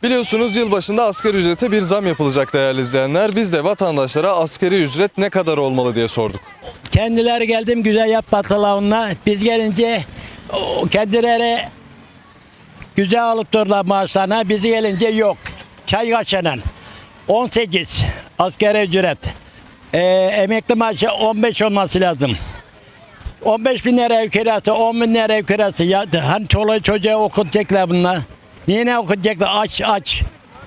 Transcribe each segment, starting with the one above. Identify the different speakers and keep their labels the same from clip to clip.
Speaker 1: Biliyorsunuz yılbaşında asgari ücrete bir zam yapılacak değerli izleyenler. Biz de vatandaşlara asgari ücret ne kadar olmalı diye sorduk.
Speaker 2: Kendileri geldim güzel yapmadılar onunla. Biz gelince kendileri güzel alıp durdular maaşlarına. Bizi gelince yok. Çay kaçanan. 18 asgari ücret. Emekli maaşı 15 olması lazım. 15 bin lira ev kirası, 10 bin lira ev kirası. Ya, hani çoluğu çocuğu okutacaklar bunlar. Niye ne okutacaklar? Aç.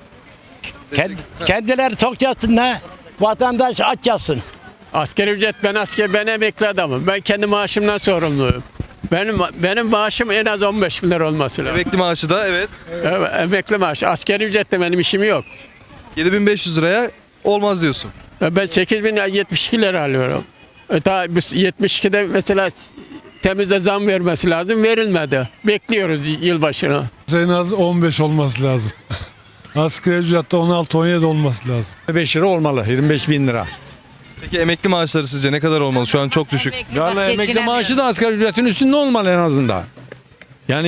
Speaker 2: Kendileri tok yatsınlar. Vatandaş aç yatsın.
Speaker 3: Asgari ücret ben emekli adamım. Ben kendi maaşımdan sorumluyum. Benim maaşım en az 15 bin lira olması lazım.
Speaker 1: Emekli maaşı da evet
Speaker 3: Evet, emekli maaşı. Asgari ücretle benim işim yok.
Speaker 1: 7.500 liraya olmaz diyorsun.
Speaker 3: Ben 8.072 lira alıyorum. Daha biz 72'de mesela temizde zam vermesi lazım. Verilmedi. Bekliyoruz yılbaşına.
Speaker 4: En az 15 olması lazım. Asgari ücrette 16-17 olması lazım.
Speaker 5: 5 lira olmalı, 25 bin lira.
Speaker 1: Peki emekli maaşları sizce ne kadar olmalı? Şu an çok düşük.
Speaker 5: Yani emekli maaşı da asgari ücretin üstünde olmalı en azından. Yani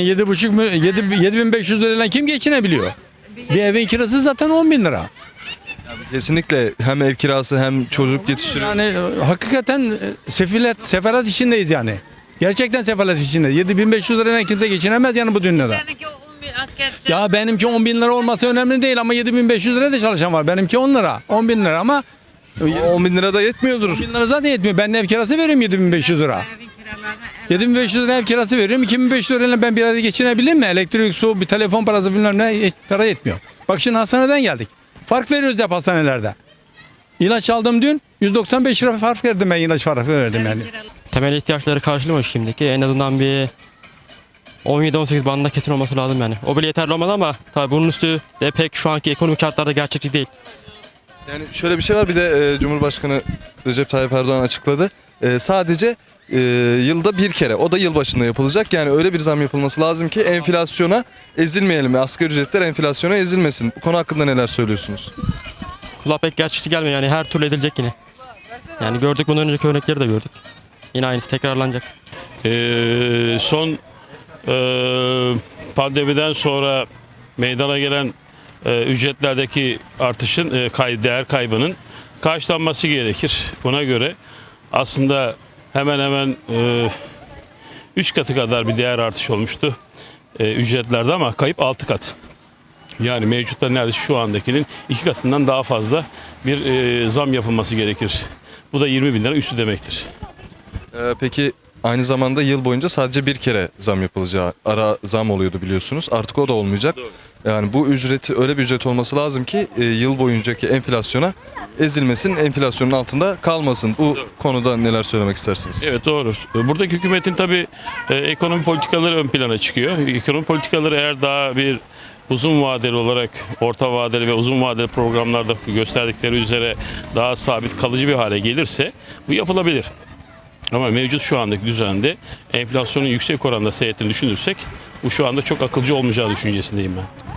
Speaker 5: 7.500 lirayla kim geçinebiliyor? Bir evin kirası zaten 10 bin lira.
Speaker 1: Kesinlikle hem ev kirası hem çocuk yetiştiriyor.
Speaker 5: Yani hakikaten sefalet içindeyiz yani. Gerçekten sefalet içindeyiz. 7.500 lirayla kimse geçinemez yani bu dünyada. Ya benimki 10 bin lira olması önemli değil ama 7.500 liraya da çalışan var. Benimki 10 lira, 10 bin lira ama
Speaker 1: 10 bin lira da yetmiyordur.
Speaker 5: 10 bin lira zaten yetmiyor. Ben de ev kirası veriyorum 7.500 lira. 7.500 lira ev kirası veriyorum. 2.500 lirayla ben bir ayda geçinebilir mi? Elektrik, su, bir telefon parası bilmem ne hiç para yetmiyor. Bak şimdi hastaneden geldik. Fark veriyoruz hep hastanelerde. İlaç aldım dün. 195 lira fark verdim ben ilaç farkı verdim yani.
Speaker 6: Temel ihtiyaçları karşılıyor şimdiki. En azından bir 17-18 bandında kesin olması lazım yani. O bile yeterli olmadı ama tabii bunun üstü de pek şu anki ekonomik şartlarda gerçekçi değil.
Speaker 1: Yani şöyle bir şey var, bir de Cumhurbaşkanı Recep Tayyip Erdoğan açıkladı. Sadece yılda bir kere, o da yılbaşında yapılacak. Yani öyle bir zam yapılması lazım ki enflasyona ezilmeyelim. Asgari ücretler enflasyona ezilmesin. Bu konu hakkında neler söylüyorsunuz?
Speaker 6: Kulağa pek gerçekçi gelmiyor yani, her türlü edilecek yine. Yani gördük, bundan önceki örnekleri de gördük. Yine aynısı tekrarlanacak.
Speaker 7: Son pandemiden sonra meydana gelen ücretlerdeki artışın değer kaybının karşılanması gerekir. Buna göre aslında hemen hemen 3 katı kadar bir değer artışı olmuştu ücretlerde ama kayıp 6 kat. Yani mevcutta neredeyse şu andakinin 2 katından daha fazla bir zam yapılması gerekir. Bu da 20 bin lira üstü demektir.
Speaker 1: Peki aynı zamanda yıl boyunca sadece bir kere zam yapılacağı, ara zam oluyordu biliyorsunuz. Artık o da olmayacak.
Speaker 7: Doğru.
Speaker 1: Yani bu ücret, öyle bir ücret olması lazım ki yıl boyuncaki enflasyona ezilmesin, enflasyonun altında kalmasın. Bu konuda neler söylemek istersiniz?
Speaker 7: Evet, doğru. Buradaki hükümetin tabii ekonomi politikaları ön plana çıkıyor. Ekonomi politikaları eğer daha bir uzun vadeli olarak, orta vadeli ve uzun vadeli programlarda gösterdikleri üzere daha sabit kalıcı bir hale gelirse bu yapılabilir. Ama mevcut şu andaki düzende enflasyonun yüksek oranda seyrettiğini düşünürsek bu şu anda çok akılcı olmayacağı düşüncesindeyim ben.